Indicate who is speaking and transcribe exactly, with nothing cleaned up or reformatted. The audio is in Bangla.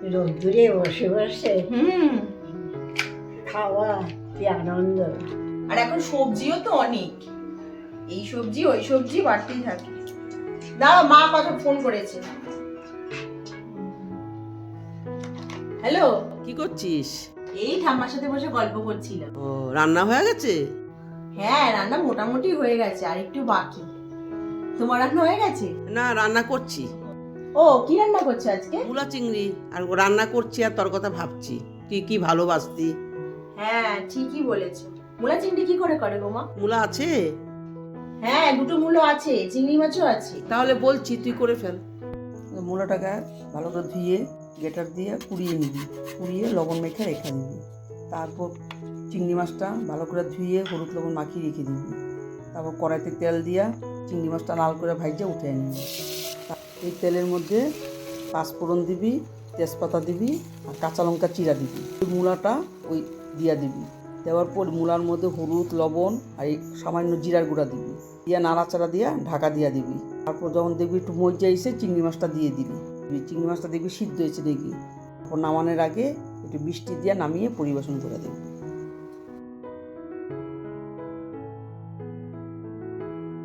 Speaker 1: রোদ্দুরে বসে বসে
Speaker 2: হুম
Speaker 1: খাওয়া কি আনন্দ।
Speaker 2: আর এখন সবজিও তো অনেক, এই সবজি ওই সবজি বাড়তেই থাকে। দাঁড়াও, মা কথা ফোন করেছে। হ্যালো,
Speaker 3: কি করছিস?
Speaker 2: এই ঠাম্মার সাথে বসে গল্প করছিলাম।
Speaker 3: ও, রান্না হয়ে গেছে?
Speaker 2: হ্যাঁ, রান্না মোটামুটি হয়ে গেছে, আর একটু বাকি। তোমার রান্না হয়ে গেছে?
Speaker 3: না, রান্না করছি।
Speaker 2: ও, কি রান্না করছো আজকে?
Speaker 3: মূলা চিংড়ি, আর রান্না করছি আর তোর কথা ভাবছি। তুই কি ভালোবাসতি।
Speaker 2: হ্যাঁ, ঠিকই বলেছো। মূলা চিংড়ি কি করে করে গো মা?
Speaker 3: মূলা আছে?
Speaker 2: হ্যাঁ, দুটো মূলো আছে, চিংড়ি মাছও আছে।
Speaker 3: তাহলে বলছি, তুই করে ফেল।
Speaker 4: মূলাটাকে ভালো করে ধুয়ে গেটার দিয়ে কুড়িয়ে নিবি, কুড়িয়ে লবণ মেখে রেখে দিবি। তারপর চিংড়ি মাছটা ভালো করে ধুয়ে হলুদ লবণ মাখিয়ে রেখে দিবি। তারপর কড়াইতে তেল দিয়া চিংড়ি মাছটা লাল করে ভাজে উঠে নিবি। এই তেলের মধ্যে পাঁচফোড়ন দিবি, তেজপাতা দিবি, আর কাঁচা লঙ্কা চিরা দিবি। ওই মূলাটা ওই দিয়া দিবি। দেওয়ার পর মূলার মধ্যে হলুদ লবণ আর এই সামান্য জিরার গুঁড়া দিবি, দিয়া নাড়াচাড়া দিয়া ঢাকা দিয়া দিবি। তারপর যখন দেখবি একটু মজা এসে চিংড়ি মাছটা দিয়ে দিবি। চিংড়ি মাছটা দেখবি সিদ্ধ হয়েছে দেখবি। তারপর নামানোর আগে একটু বৃষ্টি দিয়ে নামিয়ে পরিবেশন করে দেবি।